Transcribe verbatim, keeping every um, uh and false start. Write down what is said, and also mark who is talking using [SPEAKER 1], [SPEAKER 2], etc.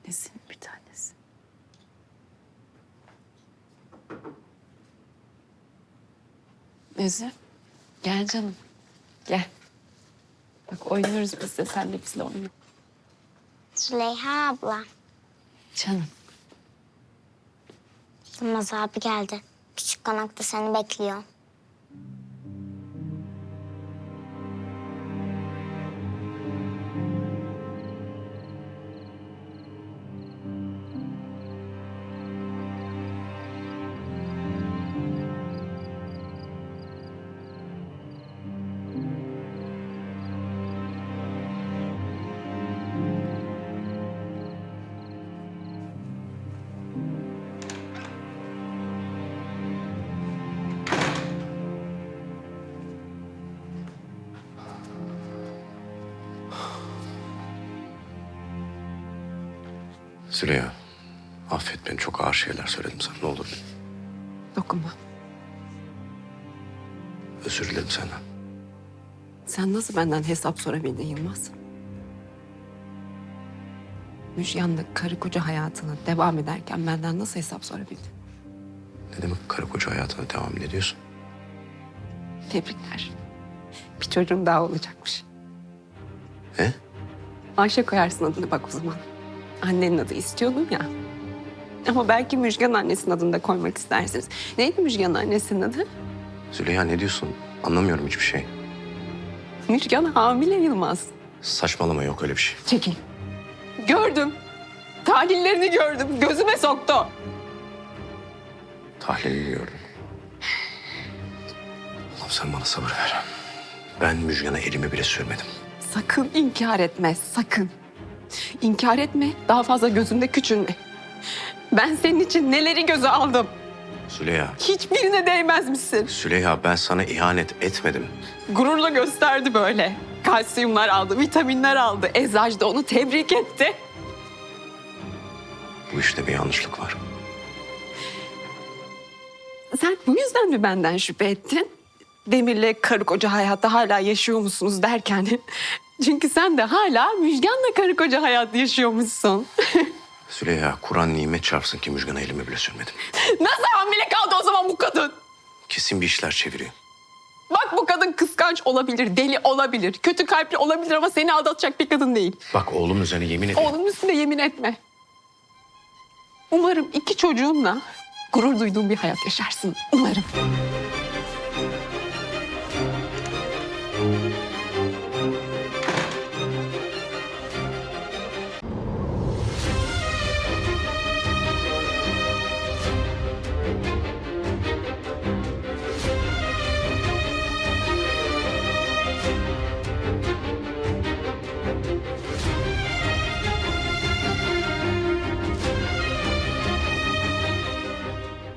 [SPEAKER 1] Annesinin bir tanesi. Nezi, gel canım. Gel. Bak oynuyoruz biz de, sen de bizle oyna.
[SPEAKER 2] Züleyha abla,
[SPEAKER 1] Canım.
[SPEAKER 2] Yılmaz abi geldi. Küçük konakta seni bekliyor.
[SPEAKER 3] Züleyha, affet beni. Çok ağır şeyler söyledim sana. Ne olur.
[SPEAKER 1] Dokunma.
[SPEAKER 3] Özür dilerim senden.
[SPEAKER 1] Sen nasıl benden hesap sorabildin Yılmaz? Müjgan'la karı koca hayatına devam ederken benden nasıl hesap sorabildin?
[SPEAKER 3] Ne demek karı koca hayatına devam ediyorsun?
[SPEAKER 1] Tebrikler. Bir çocuğum daha olacakmış.
[SPEAKER 3] He?
[SPEAKER 1] Ayşe koyarsın adını bak o zaman. Annenin adı istiyordum ya. Ama belki Müjgan annesinin adını da koymak istersiniz. Neydi Müjgan annesinin adı?
[SPEAKER 3] Züleyha ne diyorsun? Anlamıyorum hiçbir şey.
[SPEAKER 1] Müjgan hamile Yılmaz.
[SPEAKER 3] Saçmalama, yok öyle bir şey.
[SPEAKER 1] Çekil. Gördüm. Tahlillerini gördüm. Gözüme soktu.
[SPEAKER 3] Tahlilini gördüm. Allah'ım sen bana sabır ver. Ben Müjgan'a elimi bile sürmedim.
[SPEAKER 1] Sakın inkar etme, sakın. İnkar etme, daha fazla gözünde küçülme. Ben senin için neleri göze aldım.
[SPEAKER 3] Züleyha,
[SPEAKER 1] Hiçbirine değmez misin?
[SPEAKER 3] Züleyha ben sana ihanet etmedim.
[SPEAKER 1] Gururla gösterdi böyle. Kalsiyumlar aldı, vitaminler aldı. Eczacı da onu tebrik etti.
[SPEAKER 3] Bu işte bir yanlışlık var.
[SPEAKER 1] Sen bu yüzden mi benden şüphe ettin? Demir'le karı koca hayatta hala yaşıyor musunuz derken. Çünkü sen de hala Müjgan'la karı koca hayat yaşıyormuşsun.
[SPEAKER 3] Züleyha, Kur'an nimet çarpsın ki Müjgan'a elimi bile sürmedim.
[SPEAKER 1] Nasıl hamile kaldı o zaman bu kadın?
[SPEAKER 3] Kesin bir işler çeviriyor.
[SPEAKER 1] Bak bu kadın kıskanç olabilir, deli olabilir, kötü kalpli olabilir ama seni aldatacak bir kadın değil.
[SPEAKER 3] Bak oğlum üzerine yemin ederim.
[SPEAKER 1] Oğlunun üstünde yemin etme. Umarım iki çocuğunla gurur duyduğun bir hayat yaşarsın. Umarım.